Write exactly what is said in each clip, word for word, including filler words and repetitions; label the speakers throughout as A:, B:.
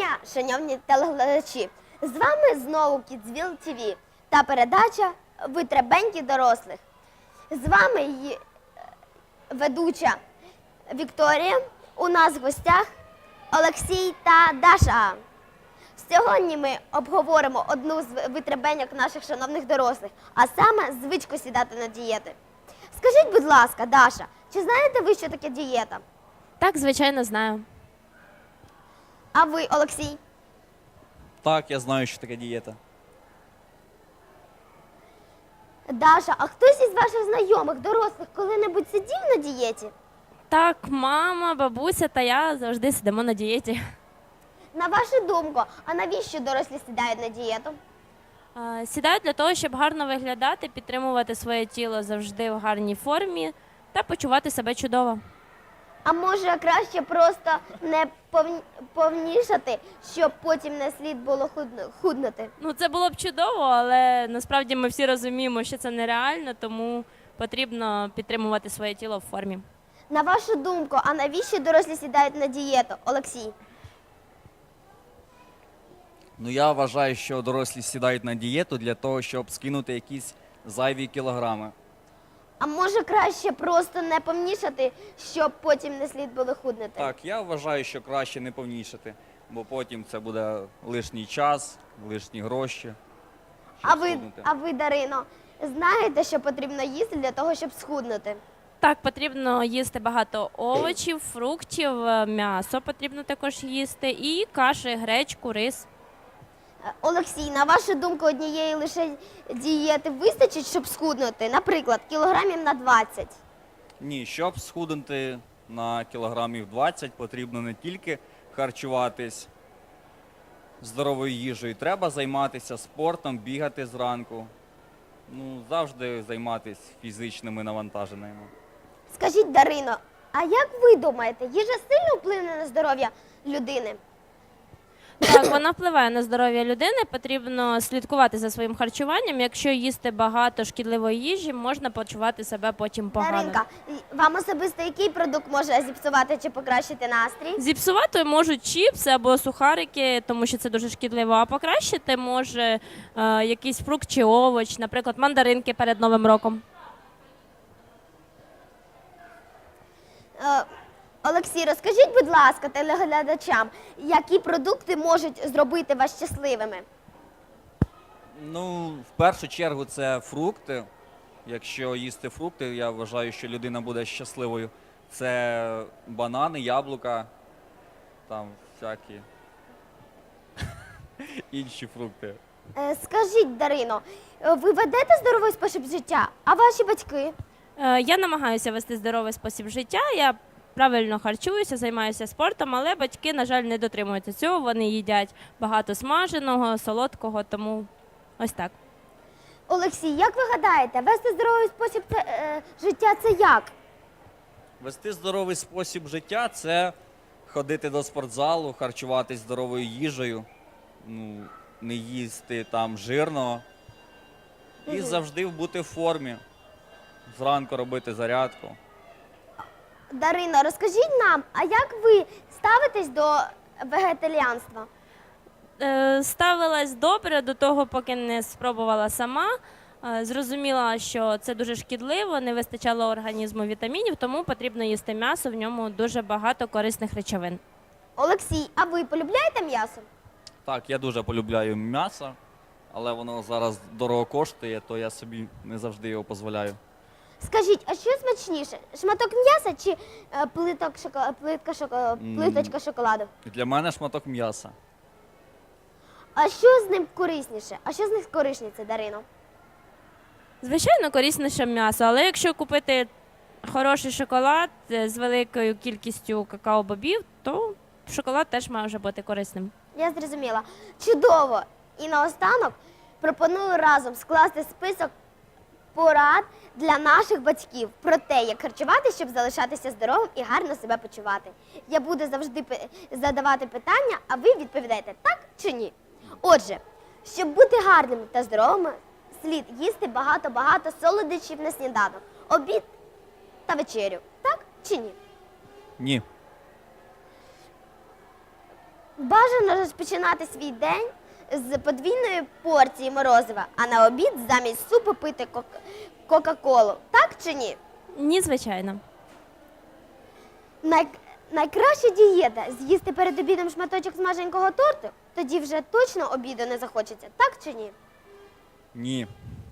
A: дня, шановні телеглядачі! З вами знову Kidsville ті ві та передача «Витребеньки дорослих». З вами її ведуча Вікторія, у нас в гостях Олексій та Даша. Сьогодні ми обговоримо одну з витребеньок наших шановних дорослих, а саме звичку сідати на дієти. Скажіть, будь ласка, Даша, чи знаєте ви, що таке дієта?
B: Так, звичайно, знаю.
A: А ви, Олексій?
C: Так, я знаю, що таке дієта.
A: Даша, а хтось із ваших знайомих, дорослих, коли-небудь сидів на дієті?
B: Так, мама, бабуся та я завжди сидимо на дієті.
A: На вашу думку, а навіщо дорослі сідають на дієту?
B: Е, Сідаю для того, щоб гарно виглядати, підтримувати своє тіло завжди в гарній формі та почувати себе чудово.
A: А може краще просто не повн- повнішати, щоб потім не слід було худну- худнути?
B: Ну, це було б чудово, але насправді ми всі розуміємо, що це нереально, тому потрібно підтримувати своє тіло в формі.
A: На вашу думку, а навіщо дорослі сідають на дієту, Олексій?
C: Ну, я вважаю, що дорослі сідають на дієту для того, щоб скинути якісь зайві кілограми.
A: А може краще просто не повнішати, щоб потім не слід було худнути?
C: Так, я вважаю, що краще не повнішати, бо потім це буде лишній час, лишні гроші. щоб
A: А ви,
C: схуднути.
A: а ви, Дарино, знаєте, що потрібно їсти для того, щоб схуднути?
B: Так, потрібно їсти багато овочів, фруктів, е, м'ясо потрібно також їсти, і каші, гречку, рис.
A: Е, Олексій, на вашу думку, однієї лише дієти вистачить, щоб схуднути? Наприклад, кілограмів на двадцять.
C: Ні, щоб схуднути на кілограмів двадцять, потрібно не тільки харчуватись здоровою їжею, треба займатися спортом, бігати зранку. Ну, завжди займатися фізичними навантаженнями.
A: Скажіть, Дарино, а як ви думаєте, їжа сильно вплине на здоров'я людини?
B: Так, вона впливає на здоров'я людини, потрібно слідкувати за своїм харчуванням. Якщо їсти багато шкідливої їжі, можна почувати себе потім погано.
A: Даринка, і- вам особисто який продукт може зіпсувати чи покращити настрій?
B: Зіпсувати можуть чіпси або сухарики, тому що це дуже шкідливо, а покращити може е, якийсь фрукт чи овоч, наприклад, мандаринки перед Новим роком.
A: Е, Олексій, розкажіть, будь ласка, телеглядачам, які продукти можуть зробити вас щасливими?
C: Ну, в першу чергу це фрукти. Якщо їсти фрукти, я вважаю, що людина буде щасливою. Це банани, яблука, там всякі інші фрукти.
A: Е, Скажіть, Дарино, е, ви ведете здоровий спосіб життя, а ваші батьки?
B: Е, Я намагаюся вести здоровий спосіб життя, я правильно харчуюся, займаюся спортом, але батьки, на жаль, не дотримуються цього, вони їдять багато смаженого, солодкого, тому ось так.
A: Олексій, як ви гадаєте, вести здоровий спосіб це, е, життя це як?
C: Вести здоровий спосіб життя це ходити до спортзалу, харчуватись здоровою їжею, ну, не їсти там жирного і
A: Мгм.
C: завжди бути в формі. Зранку робити зарядку.
A: Дарино, розкажіть нам, а як ви ставитесь до вегетаріанства?
B: Е, Ставилась добре до того, поки не спробувала сама. Е, Зрозуміла, що це дуже шкідливо, не вистачало організму вітамінів, тому потрібно їсти м'ясо, в ньому дуже багато корисних речовин.
A: Олексій, а ви полюбляєте м'ясо?
C: Так, я дуже полюбляю м'ясо, але воно зараз дорого коштує, то я собі не завжди його дозволяю.
A: Скажіть, а що смачніше? Шматок м'яса чи е, плиток шоко... плитка шоко...
C: М.
A: плиточка шоколаду?
C: Для мене шматок м'яса.
A: А що з ним корисніше? А що з них корисніше, Дарино?
B: Звичайно, корисніше м'ясо, але якщо купити хороший шоколад е, з великою кількістю какао-бобів, то шоколад теж може бути корисним.
A: Я зрозуміла. Чудово! І наостанок пропоную разом скласти список порад для наших батьків про те, як харчувати, щоб залишатися здоровим і гарно себе почувати. Я буду завжди пи- задавати питання, а ви відповідаєте так чи ні. Отже, щоб бути гарними та здоровими, слід їсти багато-багато солодощів на сніданок, обід та вечерю. Так чи ні?
C: Ні.
A: Бажано розпочинати свій день з подвійної порції морозива, а на обід замість супу пити кок- кока-колу. Так чи ні?
B: Ні, звичайно.
A: Най... Найкраща дієта з'їсти перед обідом шматочок смаженького торту, тоді вже точно обіду не захочеться, так чи ні?
C: Ні.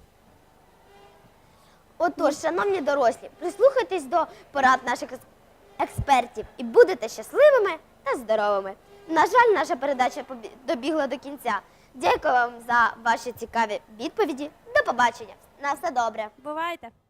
A: Отож, шановні дорослі, прислухайтесь до порад наших ес- експертів і будете щасливими та здоровими. На жаль, наша передача побі- добігла до кінця. Дякую вам за ваші цікаві відповіді. До побачення. На все добре.
B: Бувайте!